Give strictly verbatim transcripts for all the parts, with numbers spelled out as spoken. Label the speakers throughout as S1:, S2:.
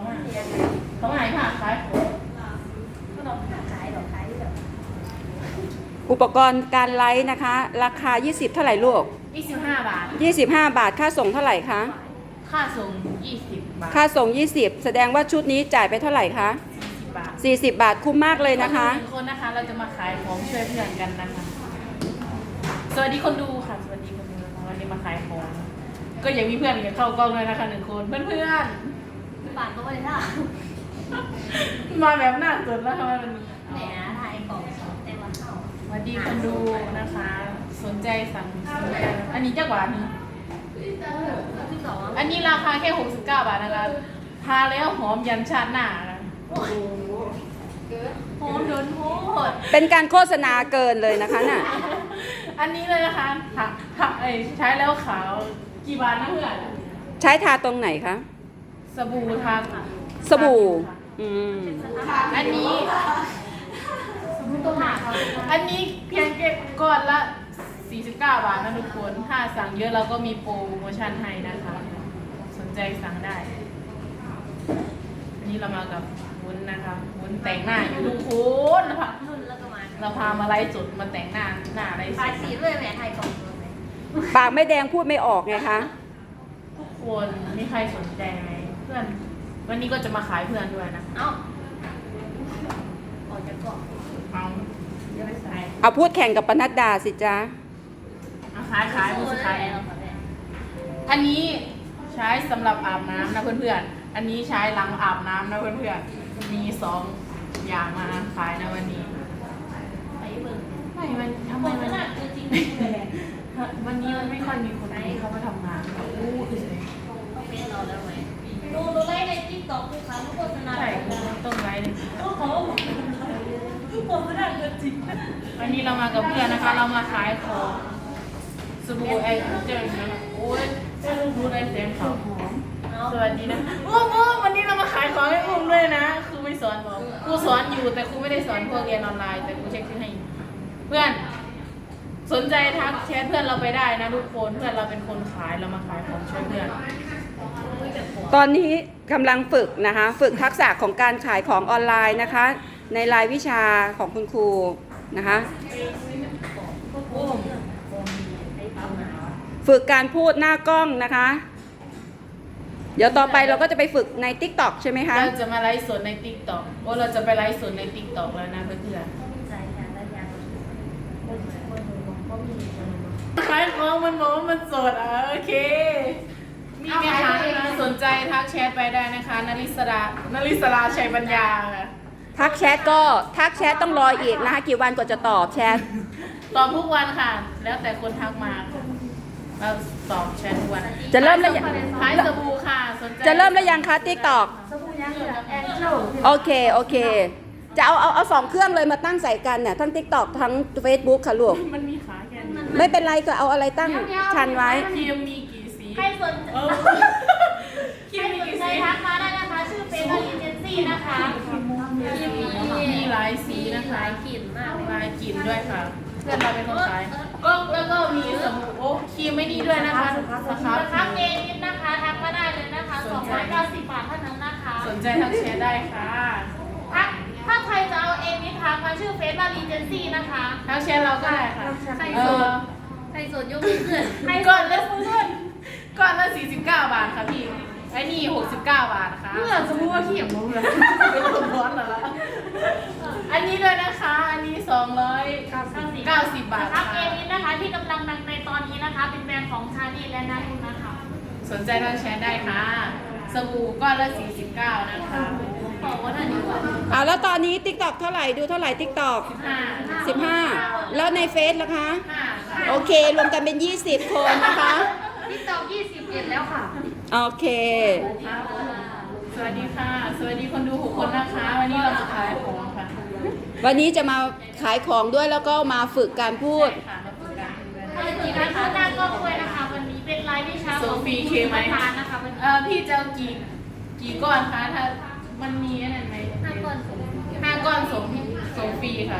S1: มาเขาหายผ่าขายของ
S2: ก็ต้องขายหรอขายแบบ
S3: อุปกรณ์การไลฟ์นะคะ ราคา ยี่สิบ เท่าไหร่ลูก
S1: ยี่สิบห้าบาท
S3: ยี่สิบห้า บาทค่าส่งเท่าไหร่คะ
S1: ค่าส่งยี่สิบบาท
S3: ค่าส่ง ยี่สิบ แสดงว่าชุดนี้จ่ายไปเท่าไหร่คะ
S1: สิบบาท
S3: สี่สิบ บาทคุ้มมากเลยนะคะ
S1: หนึ่งคนนะคะเราจะมาขายของช่วยเพื่อนกันนะคะสวัสดีคนดูค่ะสวัสดีคนดูนะคะวันนี้มาขายของก็ยังมีเพื่อนกันเข้ากล้องเลยนะคะหนึ่งคนเพื่อนเพื่อน
S2: บาทก็ไม่ได้ท่า
S1: ๆมาแบบหน้าสดแล้วค่ะวันนี้
S2: แหมไทยกล่องแต่วันเท่า
S1: สวัสดีคนดูนะคะ สนใจสั่งสนใจอันนี้จักหวานนึง
S2: ที่สอง
S1: อันนี้ราคาแค่หกสิบเก้าบาทนะคะทาแล้วหอมยันชาติหน้านะโอ้โหหอมโดนโหด
S3: เป็นการโฆษณาเกินเลยนะคะน่ะ
S1: อันนี้เลยนะคะหักหักเอ้ยใช้แล้วขาวกี่บาทนะเพื่อน
S3: ใช้ทาตรงไหนคะ
S1: สบู่ทา
S3: สบู่ อืม
S1: อันนี้สบู่ตัวหนาอันนี้เพียงแค่ก้อนละสี่สิบเก้าบาทนะทุกคนถ้าสั่งเยอะเราก็มีโปรโมชั่นให้นะคะ สนใจสั่งได้ อันนี้เรามากับวุ้นนะคะวุ้นแต่งหน้าอยู่ทุกคนนะคะ
S2: นุ่นแล้วก็มา
S1: เราพามาไล่จุดมาแต่งหน้าหน้าไล่ส
S2: ขาย
S1: ด
S2: สีด้วยแหมไทยกล่อง
S3: ปากไม่แดงพูดไม่ออกไงคะ
S1: ทุกคนมีใครสนใจไหมเพื่อน วันนี้ก็จะมาขายเพื่อนด้วยนะ
S2: เอ้าออกจากกล่อง
S1: เอาเดี๋ยวไปขาย
S3: เอาพูดแข่งกับปนัดดาสิจ๊ะ
S1: เอาขายขายมือสุดท้ายอันนี้ใช้สำหรับอาบน้ำนะเพื่อนๆ อันนี้ใช้หลังอาบน้ำนะเพื่อนๆ มีสองอย่างมาขายนะวันนี้
S2: ไปเบิ่ง
S1: ไม่มันทำไมมัน
S2: ขนาดจริงเลย
S1: วันนี้มันไม่ค่อยมีคนที่เขามาทำงานแบบอู้คือเลย
S2: ต้องเป็นเราแล้วไหมดูดูไลฟ์ในติ๊กต็อกทุกครั้งทุกโฆษณา
S1: ใช่ต้องไลฟ์เลย
S2: ทุกคนทุกคนขนาดจริง
S1: วันนี้เรามากับเพื่อนนะคะ เรามาขายของสบู่ไอเจอนะโอ้ยได้รู้รู้ได้เสียงขาวหอม สวัสดีนะอุ้มอุ้มวันนี้เรามาขายของให้อุ้มด้วยนะครูไม่สอนบอกครูสอนอยู่แต่ครูไม่ได้สอนพวกเรียนออนไลน์แต่ครูเช็คชื่อให้ เพื่อน สนใจทักแชทเพื่อนเราไปได้นะทุกคนเพื่อนเราเป็นคนขายเรามาขายของช่วยเพื่อน
S3: ตอนนี้กำลังฝึกนะคะ ฝึกทักษะของการขายของออนไลน์นะคะ ในรายวิชาของคุณครูนะคะ
S1: อุ้ม
S3: ฝึกการพูดหน้ากล้องนะคะ เดี๋ยวต่อไปเราก็จะไปฝึกใน ติ๊กต็อก ใช่ไหมคะ
S1: เราจะมาไลฟ์สดในติ๊กต็อกโอ้เราจะไปไลฟ์สดในติ๊กต็อกแล้วนะเพื่อน
S2: ใจแข็งและยาง
S1: ๆขายของมันบอกว่ามันสดอ่ะโอเค มีไหมคะสนใจทักแชทไปได้นะคะนริศรานริศราชัยปัญญาค่ะ
S3: ทักแชทก็ทักแชทต้องรออีกนะคะ กี่วันกว่าจะตอบแชท
S1: ตอบทุกวันค่ะ แล้วแต่คนทักมาเราตอบแชททุกวัน
S3: จะเริ่มแล้วยัง
S1: ขายสบู่ค่ะสนใจ
S3: จะเริ่มแล้วยังคะ ติ๊กต็อก
S2: สบู่ยังเหลือแอนเจล
S3: โอเค โอเค จะเอาเอาเอาสองเครื่องเลยมาตั้งใส่กันเนี่ยทั้ง ติ๊กต็อก ทั้ง เฟซบุ๊ก ค่ะลูก
S1: มันมีขาแค่นี้
S3: ไม่เป็นไรก็เอาอะไรตั้งชันไว้
S1: ครีมมีกี่สี
S2: ใครสน
S1: เออครี
S2: ใคร
S1: มมี
S2: สน
S1: กี่
S2: ใจ
S1: สี
S2: ทักมาได้นะคะ ชื่อเฟซบุ๊กเอเจนซี่นะคะที่มี
S1: มีหลายสีนะคะ
S2: หลายกลิ่นมากเลย
S1: ลายกลิ่นด้วยค่ะ เพื่อนเราเป็นคนขายก็แล้วก็มีสบู่โอ้ครีมไม่ดีด้วยนะคะสครับ
S2: ทักเอนิดนะคะทักมาได้เลยนะคะสองร้อยเก้าสิบบาทเท่านั้นนะคะ
S1: สนใจทักแชทได้ค่ะ
S2: ทักถ้าใครจะเอาเอนิดทักมาชื่อเฟซบุ๊กเอเจนซี่นะคะ
S1: ทักแชทเราก็ได้ค่ะ
S2: ใคร
S1: เอ
S2: สน
S1: อ
S2: ใครสนยกมือขึ้นใครส
S1: ก่อน
S2: น
S1: ละเพื่อนก่อนละสี่สิบเก้าบาทค่ะพี่ไอ้นี่หกสิบเก้าบาทนะคะ
S2: เพื่อสมมติว่าขี้อย่างมึงเลย
S1: เป็นคนร้อนเหรอละอันนี้ด้วยนะคะ อันนี้สองร้อยเก้าสิบบาท
S2: ทั
S1: ค่ะ
S2: กเอนิดนะคะที่กำลังดังในตอนนี้นะคะ เป็นแบรนด์ของชาลีและนารุนะคะ
S1: สนใจทักแชทได้ค่ะ สบู่ก้อนละสี่สิบเก้านะคะ
S2: บอกว่าน่าดีกว่า
S3: เอาแล้วตอนนี้ ติ๊กต็อก เท่าไหร่ ดูเท่าไหร่ ติ๊กต็อก
S1: ห้า
S3: สิบห้า แล้วในเฟซล่ะคะ
S1: ห้า
S3: โอเค รวมกันเป็น ยี่สิบ คนนะคะ
S2: ที่ตอกยี่สิบเอ็ดแล้วค่ะ
S3: โอเค
S1: สวัสดีค่ะ สวัสดีคนดูหกคนนะคะ วันนี้เราจะขายของค่ะ
S3: วันนี้จะมาขายของด้วยแล้วก็มาฝึกการพูด
S1: ค่ะมาฝึกกัน
S2: ถ้าจะจีบนะคะหน้ากล้องด้วยนะคะ วันนี้เป็นไลฟ์วิชาของผู้ประธานนะคะวัน
S1: เอ่
S2: นี้
S1: อพี่จะเอากี่กี่ก้อนคะถ้ามันมีอะไรไหม
S2: ห้าก้อนสูง
S1: ห้าก้อนส่งส่งฟรีค่ะ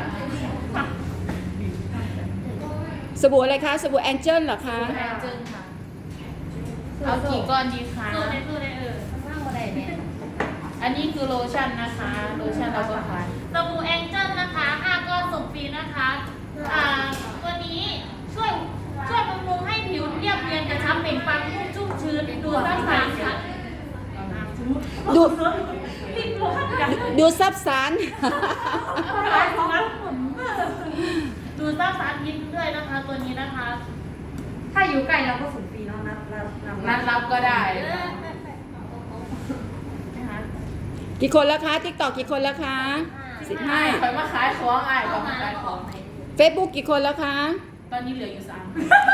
S3: สบู่อะไรคะ สบู่แองเจิลเหรอคะ
S1: แพงจึงค่ะ เอากี่ก้อนดีคะ
S2: สู้ในสู้ในเออข้างๆอะไรเนี่ย
S1: อัอันนี้คือโลชั่นนะคะโลชั่นเราก็ขาย
S2: สบู่แองเจิลนะคะห้าก้อนส่งฟรีนะคะอ่าตัวนี้ช่วยช่วยบำรุงให้ผิวเรียบเนียนกระชับเปล่งปลั่งนุ่มชุ่มชื้นดูซับซ้อนค่ะ
S3: ดู
S2: รีบร้อนกัน
S3: ดูซับซ้อน
S2: ดูซับซ้อนยิ้มด้วยนะคะ ตัวนี้นะคะ
S4: ถ้าอยู่ใกล้เราก็ส่งฟรีเนาะนัดนัดนัด
S1: นัดรับก็ได้
S3: กี่คนแล้วคะติ๊กตอกกี่คนแล้วคะสิบห้า
S1: คอยมาขายของไอ้ก็มาขายของ
S3: เฟซบุ๊กกี่คนแล้วคะ
S1: ตอนนี้เหลืออยู่สาม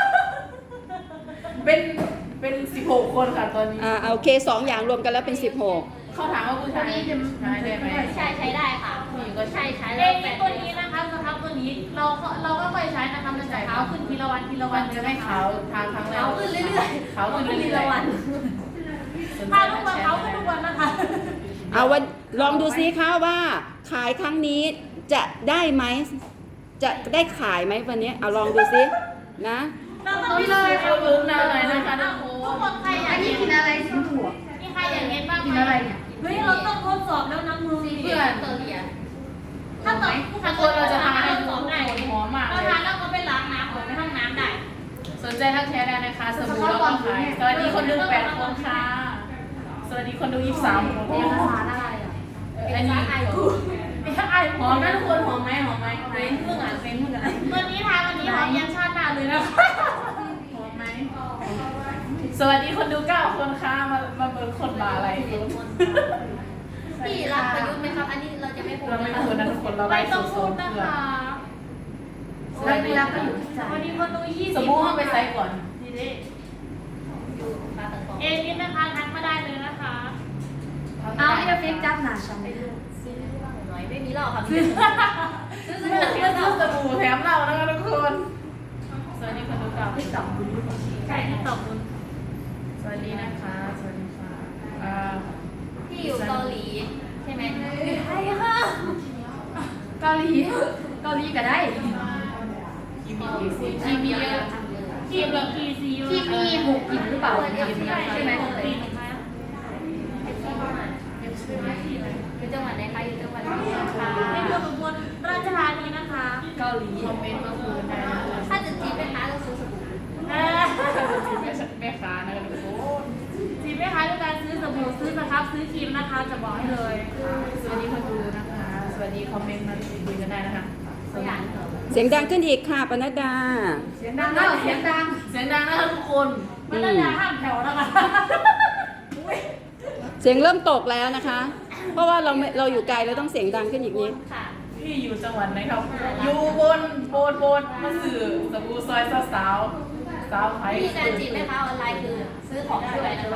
S1: เป็นเป็นสิบหกคนค่ะตอนนี้
S3: อ่าโอเคสองอย่างรวมกันแล้วเป็นสิบหก
S1: เขาถามว่าผู้ชายใช้ได้ไหม
S2: ใช่ใช้ได้ค่ะ
S1: ผู้หญิงก็ใช้
S2: ใช่ใช้ได้แต่ตัวนี้นะคะสครับตัวนี้เราเราก็ค่อยใช้นะคะมันจะขาวขึ้นทีละวันทีละวั
S1: มัน นจะไม่ขาวทางครั้งแรก
S2: ขาวขึ้นเรื่อยๆ
S1: ขาวขึ้นเรื่อยๆ
S2: ทีละวันถ้าทุกวันขาวขึ้นทุกวันนะคะ
S3: เอาวันลองดูซิคะว่าขายครั้งนี้จะได้ไหมจะได้ขายไหมวันนี้เอาลองดูซินะ
S2: เราต้อง
S1: พี่เลยเขาลุ้นหน่อยนะคะทุกค
S2: ทุก
S1: น
S2: คนใครอยา
S4: อั
S2: ก
S4: นนี้
S2: เห็น
S4: กินอะไรสีถั่ว
S2: มีใครอยากเห็นบ้าง
S4: กิน
S2: ไหม
S4: อะไรเนี่ย
S2: เฮ้ยเราต้องทดสอบแล้วนะมือ
S1: เพื่อน
S2: ถ้าตอบ
S1: ถ้าคนเราจะทานให้
S2: ทด
S1: ทุ
S2: ส
S1: ก
S2: อบ
S1: ค
S2: ได้
S1: นหอมมาก
S2: เรา
S1: เลย
S2: ทานแล้วก็ไปล้างน้ำผมไปห้องน้ำได้
S1: สนใจทักแชร์ได้นะคะสบู่เราก็ขายสวัสดีคนดูแปดคนค่ะสวัสดีคนดูยี่สิบสามคน
S4: เป็น
S1: ค่ะ
S4: อาหารอะไรอ่ะ
S1: อันนี้ไอคูไอหอมนะทุกคนหอมไหมหอมไหมเฟ้นเพิ่งอ่านเฟ้นเพิ่งอ่าน
S2: วันนี้ทานวันนี้หอมยันชาติหน้าเลยนะ
S1: หอมไหมสวัสดีคนดูเก้าคนค่ะมามาเบิร์คนบาอะไร
S5: พี่รับประยุทธ์ไหมครับ อันนี้เราจะไม่พูด
S1: เราไม่
S5: นะคะ
S1: พูดนะทุกคนเรา
S2: ไม่
S1: ไล่
S2: ต้อง
S1: โซ
S2: พูด
S1: น
S2: นะ
S1: เพื่อ
S2: คะ
S4: แล้วมีรับก็อยู่ที่ใจ
S2: วันนี้คนดูยี่สิบ
S1: สบู่ห้องไปไซส์ก่อน
S2: นี่ดิ
S5: อยู่ปลาตะกอง
S2: เอนิดนะคะทักมาได้เลยนะคะ
S4: เอาที่จะฟิกจับหนาฉันเลย
S5: ซื้อบ้างหน่อยไม่มีหรอกครับ
S1: ซื้อซื้อสบู่แค่ซื้อสบู่แถมเรานะคะทุกคนสวัสดีคนดูเก้า
S4: ติ๊กต็อกคุณ
S2: ใช่ที่ตอบคุณ
S1: สวัสดีนะคะสวัสดีค่ะอ่า
S5: พี่อยู่เกาหลีใช่ไหม
S2: ใช่ค่ะ
S4: เกาหลีเกาหลีก็ได้
S1: ทีมีกี่สี
S2: ทีมีเยอะทีมีกี่ซี
S4: ที่มีหกกลิ่นหรือเปล่า
S2: ใช่ไหม
S5: อยู่จังหวัดไหนคะอยู่จังหวัดไหนคะ
S2: ในเมืองอุบลราชธานีนะคะ
S4: เกาหลี
S1: คอมเมนต์เมื่อคืนได้นะคะ
S5: ถ้าจะจีบไปหาก็ซื้อสบู่
S2: เออ
S1: แม่ค้านะคะทุกคน
S2: จีบไหมคะด้วยการซื้อสบู่ซื้อสครับซื้อครีมนะคะจะบอกให้เลย
S1: สวัสดีคนดูนะคะ สวัสดีคอมเมนต์มาคุยกันได้นะคะสวัสดี
S3: เสียงดังขึ้นอีกค่ะปนัดดา
S4: เสียงดังแล้วเสียงดัง
S1: เสียงดังนะคะทุกคน
S2: มันน่าจะห้ามแถวนะคะ
S3: เสียงเริ่มตกแล้วนะคะ เพราะว่าเราไม่เราอยู่ไกลเราต้องเสียงดังขึ้นอีกนิด
S5: ค่ะ
S1: พี่อยู่จังหวัดไหนครับ อยู่บนโบนโบนมาสื่อสบู่ซอยสาวสาวสาวไผ่
S5: วิธีการจีบแม่ค้าออนไลน์คือซื้อของช่วยนะคะ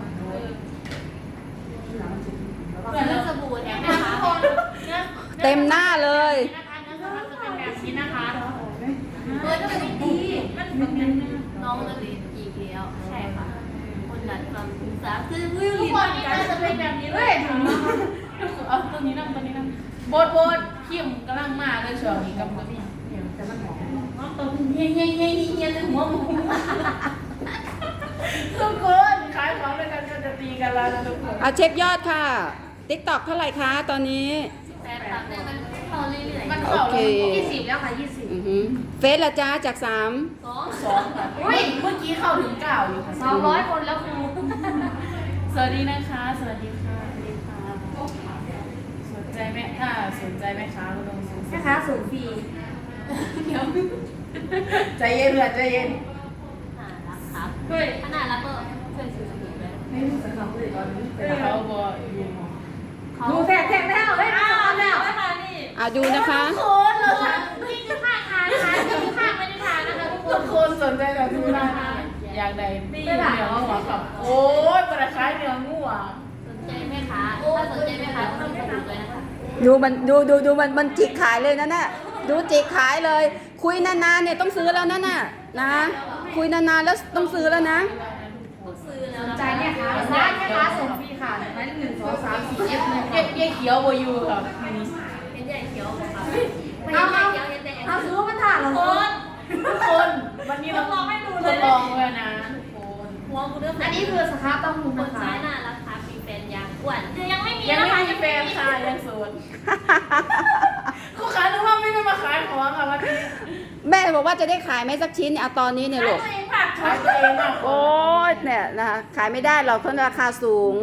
S5: ซื้อสบู่แถมแม่ค้า
S3: เต็มหน้าเลย
S2: นะคะเนื้อสครับจะเป็นแบบนี้นะคะ
S5: เออก็เป็นดี
S2: มันเป็นแบบนี้
S5: น้องจะเรียนอีกแล้วใช่ค่ะ คนดัดความศึกษาคือวิว
S2: ทุก
S5: ลิน
S2: คนนี่น่าจะเป็นแบบนี้เลย
S1: เอาตัวนี้นั่งตัวนี้นั่งโบนโบนเข้มกำลังมาเลยช่วงนี้กับกับพี่
S4: แต่มันหอม
S2: น้องตัวเฮียเฮียเฮียเฮียเลยหัวหมู
S1: ทุกคนขายของด้วยกันก็จะตีกันแล้วนะทุกคน
S3: เอาเช็คยอดค่ะติ๊กตอกเท่าไหร่คะตอนนี้
S5: แต่ตามเนี่ยมันเข้าเรื่อย
S1: มัน
S3: โอ
S1: เข้า
S3: เค
S1: แล้ว
S4: ยี่สิบแล้วค่ะยี่สิบ
S3: อือหือเฟซละจ้าจากสาม
S5: ๆสอง
S1: สองค่ะเฮ้ยเมื่อกี้เข้าถึงเก้าอยู่ค่ะ
S4: สองร้อยคนแล้วครู
S1: สวัสดีนะคะ สวัสดีค่ะสวัสดีค่ะสนใจไหมถ้าสนใจไหมคะเราลงซื้อ
S4: แม่ค้าส่งฟรี
S1: ใจเย็นเลยใจเย็น
S5: น่ารักครับ
S4: เฮ้ย
S5: ถ้าน่ารักก็ช่วยซื้อสบู่ด้วย
S4: ไม่รู้สึกเขาเลยตอนนี้
S1: เขาบอกอยู่
S4: ดูแทกแทกแล้วเฮ้ยมาแล้ว
S2: นะคะนี่
S3: อ่ะดูนะคะ
S1: ทุกคนเราท
S2: นี่คือข้างทานนะคะนี่คือข้างไม่ได้ทานนะคะทุก
S1: ำ
S2: ค
S1: ทุ
S2: น
S1: กคนสนใจแบบนี้ได้นะอยากได้เนื้องัวครับโอ้ยปลาคล้ายเนื้องัว
S5: สนใจไหมคะถ้าสนใจไหมคะก็ซื้อสบู่ด้วยนะคะ
S3: ดูมันดูดูดูมันมันจิกขายเลยนะน่ะดูจิกขายเลย คุยนานๆเนี่ยต้องซื้อแล้วนะน่ะนะ คุยนานๆแล้วต้องซื้อแล้วนะ
S5: ต้องซื้อแล้ว
S4: สน
S5: นะ
S4: ใจเนี่ยค่ะร้านแม่ค้าส่งฟรีค่ะหมายเลขหนึ่งสองสามสี่เอฟเลย
S1: เย้เย้เขียวโบยูครับ
S5: เห็นใหญ่เขียวค่ะไม่เห็นใหญ่เขียวเห็นแต่แอง
S4: เอาซื้อมันถ่ายเหรอ
S2: คน
S1: ทุกคนวันนี้เรา
S2: ลองให้ดู
S1: ท
S2: เลย
S1: ดลองเลยนะทุกคน
S5: หัวกูเริ่ม
S4: อันนี้คือสครับต้องมุน
S5: คน
S4: นะคะ
S5: ซ้ายน่ารักค่ะมีแฟนยังอ้วน
S2: ยังไม่มี
S1: ยัง
S2: นะ
S1: แฟนค่ะยังโสดลูกค้านึกว่าไม่ได้มาขายของค่ะวันนี้
S3: แม่บอกว่าจะได้ขายไหมสักชิ้นเอาตอนนี้เนี่ยลูก
S2: ตัวเองผัก
S1: ขายตัวเองอ่ะ
S3: โอ้ยเนี่ยนะคะขายไม่ได้หรอกเพราะราคาสูง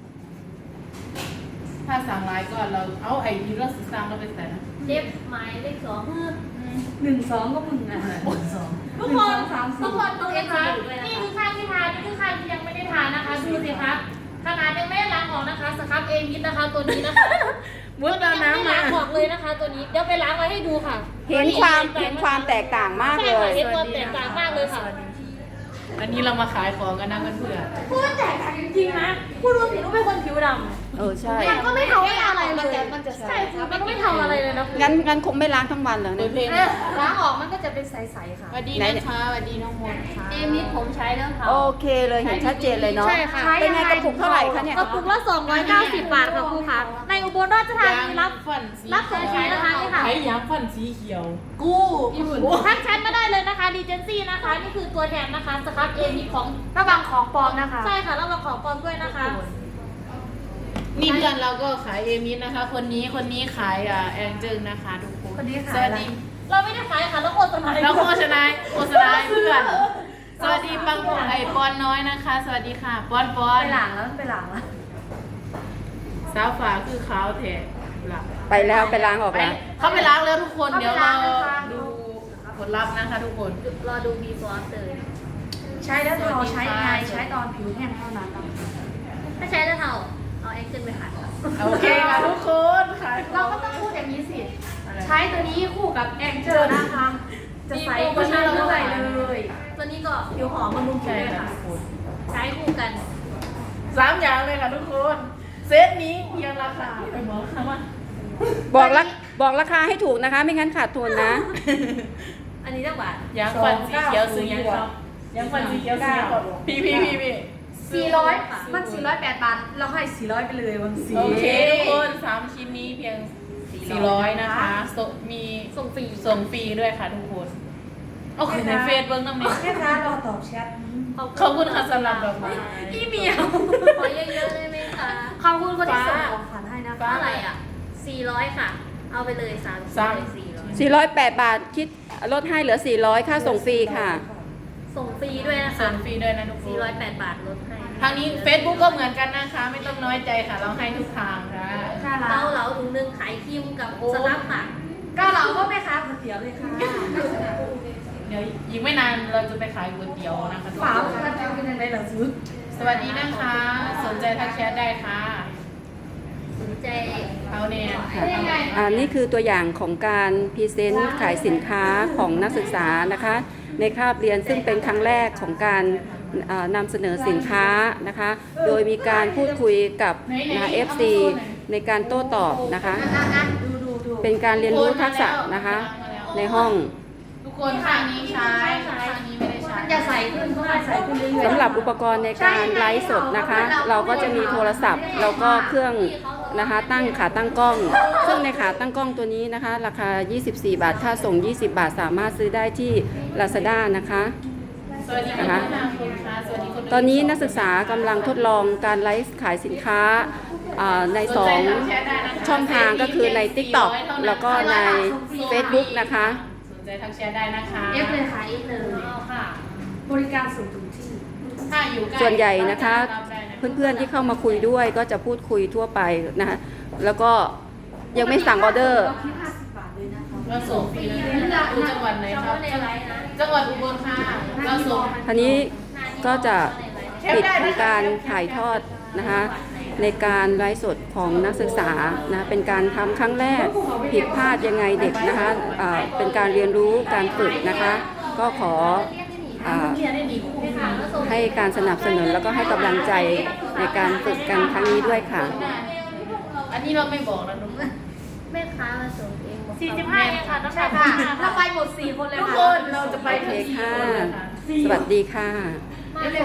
S1: ถ้าสั่งไลน์ก่อนเราเอาไอดีเราสั่งเราไปใส่นะ
S5: เจ็บหมายเลขสอง
S4: หนึ่งสองก็มึงอ่ะ
S1: หมดสอง
S2: ทุกคนทุกคนดูนะคะนี่คือข้าวที่ทานนี่คือข้าวที่ยังไม่ได้ทานนะคะดูสิคะขนาดยังไม่ได้ล้างออกนะคะสครับเอมิดนะคะตัวนี้นะคะ
S1: มุดเอาน้ำมา
S2: ล้างออกเลยนะคะ ตัวนี้เดี๋ยวไปล้างไว้ให้ดูค่ะ
S3: เห็นความเห็นความแตกต่างมาก
S2: ใช่
S3: เล
S2: ค่ะ
S3: ย
S2: เห็นความแตกต่างมากเลยค่ะ
S1: อันนี้เรามาขายของกันนะเพื่อน
S2: พูดแตกต่างจริงๆนะพูดรู้สิรู้เป็นคนผิวดำ
S3: เออใช่
S2: มันก็ไม่ทำอะไรเลย
S4: มันจะ
S2: ใช่ค่ะมันก็ไม่ทำอะไรเลยนะคุณ
S3: งั้นงั้นคงไม่ล้างทั้งวันเหรอ
S1: ๆเปิ
S3: เนี่
S1: ด
S3: ย
S1: เพลง
S4: ล้างออกมันก็จะเป็นใสๆค่ะ
S1: สวัสดีนะคะสวัสดีน้องมนต์ค่ะ
S5: เอมิดผมใช้แล้วค่ะ
S3: โอเคเลยเห็นชัดเจนเลยเนาะ
S2: ใช่ค่ะ
S3: เป็นไงกระปุกเท่าไหร่คะเนี่ย
S2: กระปุกละสองร้อยเก้าสิบบาทค่ะครูคะในอุบลราชธานีรับ
S1: ฟันสี
S2: รับส่งฟรีนะคะนี่ค่ะ
S1: ใช้ยางฟันสีเขียว กู้
S2: ทักแชทมาได้เลยนะคะดีเจนซี่นะคะ นี่คือตัวแทนนะคะสครับเอมีของ
S4: ระวังของปลอมนะคะ
S2: ใช่ค่ะแล้วมาขอปลอมด้วยนะคะ
S1: นี่เพื่อนเราก็ขายเอมิสนะคะ คนนี้คนนี้ขายอ่าแองเจิลนะคะทุกคน
S4: คนนี้ขาย
S1: สวัสดี
S2: เราไม่ได้ขายค่ะแล้วโฆษณา
S1: เราโฆษณาโฆษณาให้เพื่อน สวัสดีปังปอนไอปอนน้อยนะคะ สวัสดีค่ะปอนปอน
S4: ไปหลังแล้วไปหลังแล้ว
S1: สาวฝาคือขาวแถบหลับ
S3: ไปแล้วไปล้างออก
S1: ไป
S3: แล้ว
S1: เขาไปล้างแล้วทุกคน
S4: เขาไป
S1: เดี๋ยวเรา
S4: ล้างนะคะ
S1: ดูผลลัพธ์นะคะทุกคน
S5: รอดู before after
S4: ใช้แล้วเราใช้ยังไงใช้ตอนผิวแห้งเท่านั้นค่ะ
S5: ถ้าใช้แล้วเท่าเอาแอคเซนไปขัดค่ะ
S1: โอเคค่ะทุกคนขายข
S4: เรา
S1: อง
S4: ก็ต้องพูดอย่างนี้สิ ใช้ตัวนี้คู่กับแองเจิลนะคะ จะใสก็ใช้เท่าไหร่เลย
S5: ตัวนี้ก็
S4: ผิวหอมบำรุงผิว
S1: ใช่
S4: ด้วย
S1: ค่ะ
S4: ค่ะ
S1: ทุกคน
S5: ใช้คู่กัน
S1: สามอย่างเลยค่ะทุกคน เซตนี้เพียงราคาไปบอกค่ะว่า
S3: บอกรักบอกราคาให้ถูกนะคะ ไม่งั้นขาดทุนนะ
S5: อันนี้เท่าบาท
S1: ยางฟันสีเขียวซื้อยังครับยางฟันสีเขียวซื้อยังครับพี่พี่พี่พี่
S4: สี่ร้อยมันสี่ร้อยแปดบาท เราให้สี่ร้อยไปเลยวันสี่
S1: โอเคทุกคนสามชิ้นนี้เพียงสี่ร้อยนะคะส่งมี
S2: ส่งฟรี
S1: ส่งฟรีด้วยค่ะทุกคนโอเคในเฟซเบิ้งน้ำเนี่ย
S4: แม่ค้ารอตอบแชท
S1: ขอบคุณค่ะสำหรับดอกไม้
S4: พี่เหมียว
S5: ขอเยอะๆได้ไหมคะ
S4: ขอบคุณคนที่ส่งของขวัญให้นะคะ
S5: เท่าไหร่อ่ะสี่ร้อยค่ะ เอาไปเลยสาม
S1: สาม
S5: สี่ร้อย
S3: สี่ร้อยแปดบาทคิดลดให้เหลือสี่ร้อยค่าส่งฟรีค่ะ
S5: ส่งฟรีด้วยนะคะ
S1: ส่งฟรีด้วยนะทุกค
S5: สี่
S1: น
S5: ร้อยแปดบาทลดให้
S1: ทางนี้ Facebook ก็เหมือนกันนะคะ ไม่ต้องน้อยใจค่ะ เราให้ทุกทางค่ะ
S4: น่ารั
S5: เกาก เหลาถุงหนึ่งขายครีมกับสลับค่ะ
S4: เก้าเหลาก็แม่ค้าก๋วยเตี๋ยวเลยค่ะ
S1: เดี๋ยวอีกไม่นานเราจะไปขายก๋วยเตี๋ยวนะคะทุก
S4: ฝา
S1: คน
S4: ก๋วยเตี๋ยวเป็นยังไงล่ะซุด
S1: สวัสดีนะคะ สนใจทักแชทได้ค่ะ
S5: สนใจ
S1: เขาเนี่ย
S3: อ่านี่คือตัวอย่างของการพรีเซนต์ขายสินค้าของนักศึกษานะคะ ในคาบเรียนซึ่งเป็นครั้งแรกของการอ่านำเสนอสินค้านะคะ โดยมีการพูดคุยกับนะเอฟซีในการโต้ตอบนะคะ
S4: ดูดูดู
S3: เป็นการเรียนรู้ทักษะนะคะ ในห้อง
S1: ทุกคนข้างนี้ใช้ข้างนี้ไม่ได้ใช้
S4: มันจะใสขึ้นเพราะมันใสขึ้นเรื่อยๆ
S3: สำหรับอุปกรณ์ในการไลฟ์สดนะคะ เราก็จะมีโทรศัพท์แล้วก็เครื่องนะคะตั้งขาตั้งกล้อง ซึ่งในขาตั้งกล้องตัวนี้นะคะ ราคา ยี่สิบสี่ บาท ค่าส่ง ยี่สิบ บาท สามารถซื้อได้ที่ Lazada นะคะ
S1: สวัสดีคุณค่ะสวัสดีคุณ
S3: ตอนนี้นักศึกษากำลังทดลองการไลฟ์ขายสินค้าอ่าในสองช่องทางก็คือใน TikTok แล้วก็ใน Facebook นะคะ
S1: สนใจทักแชทได้นะคะ
S4: เอฟเลยค่ะเอฟเลย
S1: เอาค่ะ
S4: บริการส่งถึงที่
S1: ถ้าอยู่ใกล้
S3: ส่วนใหญ่นะคะ
S1: รับได้ะ
S3: เพื่อนๆที่เข้ามาคุยด้วยก็จะพูดคุยทั่วไปนะคะแล้วก็ยังไม่สั่งออเดอร์
S4: เราคิดห้าสิบบาทเลยนะคะ
S1: เราส่งฟรีนะอยู่จังหวัดไหนครับจังหวัดอุบลค่ะเราส่ง
S3: ทีนี้ก็จะปิดของการถ่ายทอดนะคะในการไลฟ์สดของนักศึกษานะเป็นการทำครั้งแรกผิดพลาดยังไงเด็กนะคะอ่าเป็นการเรียนรู้การฝึกนะคะ ก็ขออ่าให้การสนับสนุนแล้วก็ให้กำลังใจในการฝึกกันครั้งนี้ด้วยค่ะ
S1: อันนี้เราไม่บอกนะทุกคน
S5: แม่ค้ามาส่งเองบอก
S2: สี่สิบห้าเองค่ะน้ำหนัก
S4: ค่ะเราไปหมดสี่คนเลย
S1: ทุก
S4: ค่ะ
S1: คนเราจะไป
S3: โอเค
S1: ถึง
S3: ค่ะ
S1: ที่เลยค่ะ
S3: สวัสดีค่ะ
S5: มา